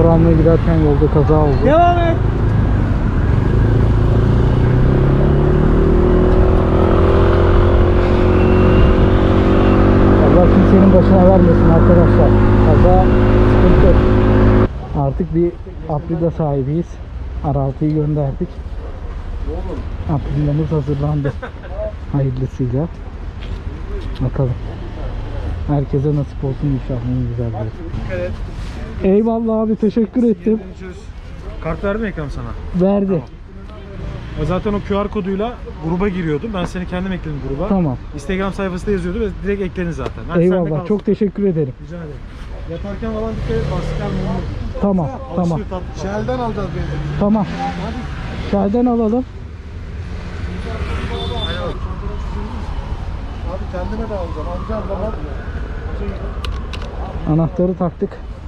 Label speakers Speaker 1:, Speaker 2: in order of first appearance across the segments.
Speaker 1: Motor almaya giderken yolda kaza oldu.
Speaker 2: Devam et.
Speaker 1: Allah kimsenin başına vermesin arkadaşlar. Kaza sıkıntı. Artık bir Aprilia sahibiyiz. R6'yı gönderdik. Aprilia'mız hazırlandı. Hayırlısıyla. Bakalım. Herkese nasip olsun inşallah. En güzel bir. Eyvallah abi, teşekkür ettim.
Speaker 2: Kart verdi mi Ekrem sana?
Speaker 1: Verdi.
Speaker 2: Tamam. Zaten o QR koduyla gruba giriyordum. Ben seni kendim ekledim gruba.
Speaker 1: Tamam.
Speaker 2: Instagram sayfasında yazıyordu ve direkt ekledin zaten. Hadi
Speaker 1: Eyvallah. Çok teşekkür ederim.
Speaker 2: Rica ederim. Yatarken falan dikkat et. Lastikler mumlu.
Speaker 1: Tamam. Tamam.
Speaker 2: Shell'den alacağız benzin.
Speaker 1: Tamam. Shell'den alalım.
Speaker 2: Abi kendime de alacağım. Alacağım zaman.
Speaker 1: Anahtarı taktık.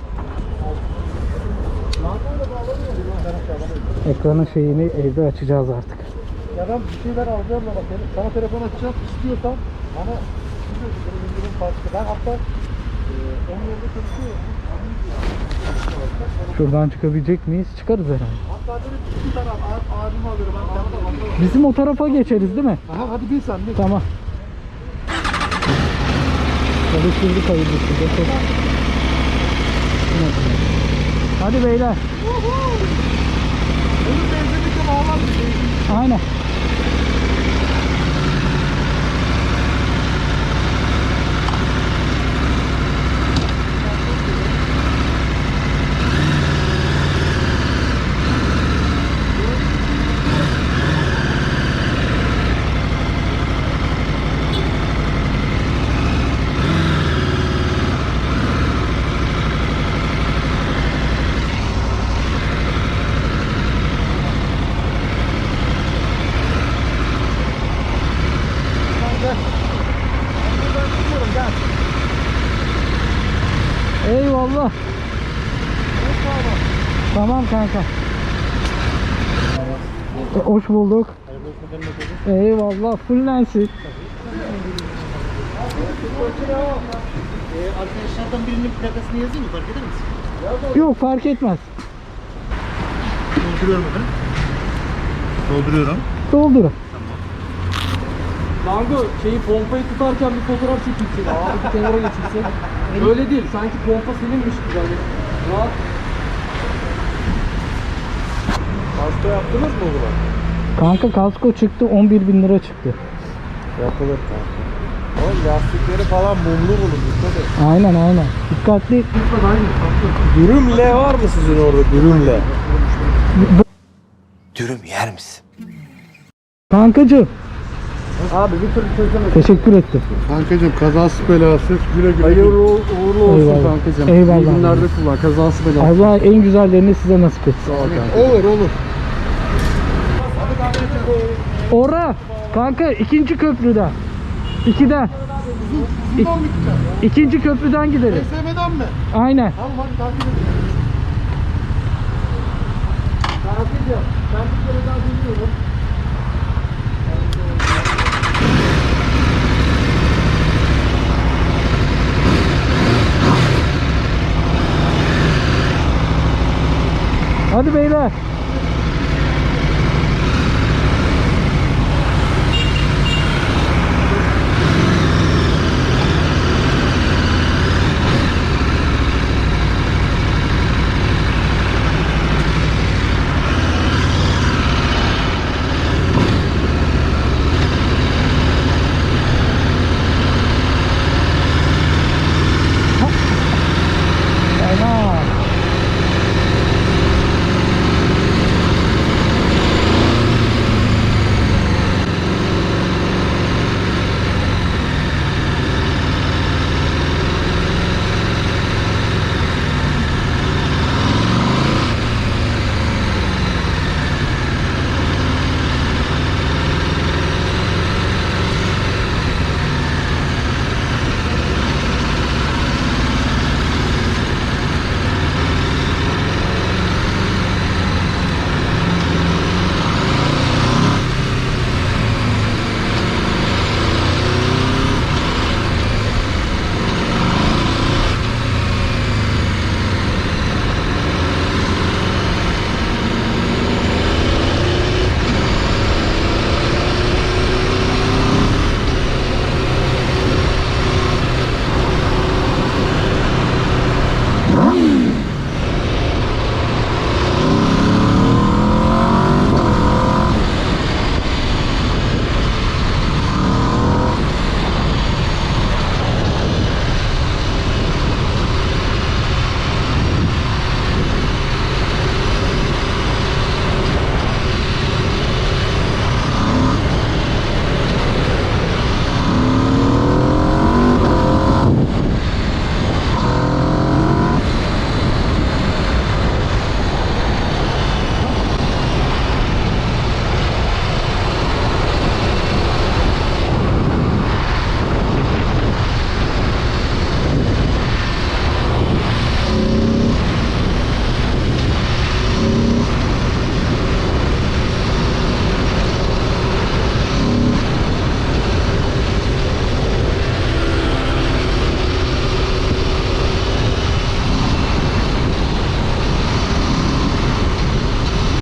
Speaker 1: Ekranın şeyini evde açacağız artık.
Speaker 2: Ya ben bir şeyler alacağım ama sana telefon açacağım istiyorsan bana indirim farklı. Ben hatta onun yerine çalışıyorum.
Speaker 1: Şuradan çıkabilecek miyiz? Çıkarız herhalde.
Speaker 2: Hatta dedim bir taraf abimi alırım.
Speaker 1: Bizim o tarafa geçeriz değil mi?
Speaker 2: Aha hadi bil sen bil.
Speaker 1: Tamam. Çalıştırdık hayırlısı. Hadi beyler.
Speaker 2: Onun benzinlikle bağlanmış.
Speaker 1: Aynen. Eyvallah. Tamam kanka. Hoş bulduk. Eyvallah. Fullensin.
Speaker 2: Arkadaşlardan birinin plakasını yazayım mı? Fark eder misin?
Speaker 1: Yok, fark etmez.
Speaker 2: Dolduruyorum efendim. Dolduruyorum.
Speaker 1: Doldurun.
Speaker 3: Kanka şeyi pompayı tutarken bir fotoğraf çekilsin. Abi bir kenara geçilsin. Öyle değil. Sanki pompa seninmiş gibi hani. Rahat.
Speaker 2: Hasta yaptınız mı buna?
Speaker 1: Kanka kasko çıktı, 11.000 lira çıktı.
Speaker 2: Yapılır kanka. Oğlum lastikleri falan mumlu bulun.
Speaker 1: Aynen aynen. Dikkatli.
Speaker 2: Dürüm L var mı sizin orada? Dürüm L.
Speaker 4: Dürüm yer misin?
Speaker 1: Kankacığım.
Speaker 2: Abi bir türlü çözemedim.
Speaker 1: Teşekkür ettim.
Speaker 2: Kankacığım kazası belası güle güle.
Speaker 3: Hayırlı uğurlu olsun
Speaker 1: Eyvallah.
Speaker 3: kankacığım.
Speaker 1: Eyvallah.
Speaker 3: İyi günlerde kullan. Kazası belası.
Speaker 1: Allah en güzellerini size nasip etsin.
Speaker 2: Olur olur.
Speaker 1: Ora kanka, ikinci köprüden. 2'den. İkinci köprüden gidelim.
Speaker 2: SM'den mi?
Speaker 1: Aynen.
Speaker 2: Tamam hadi takip edelim. Kankacığım ben bir kere daha dinliyorum.
Speaker 1: Hadi beyler.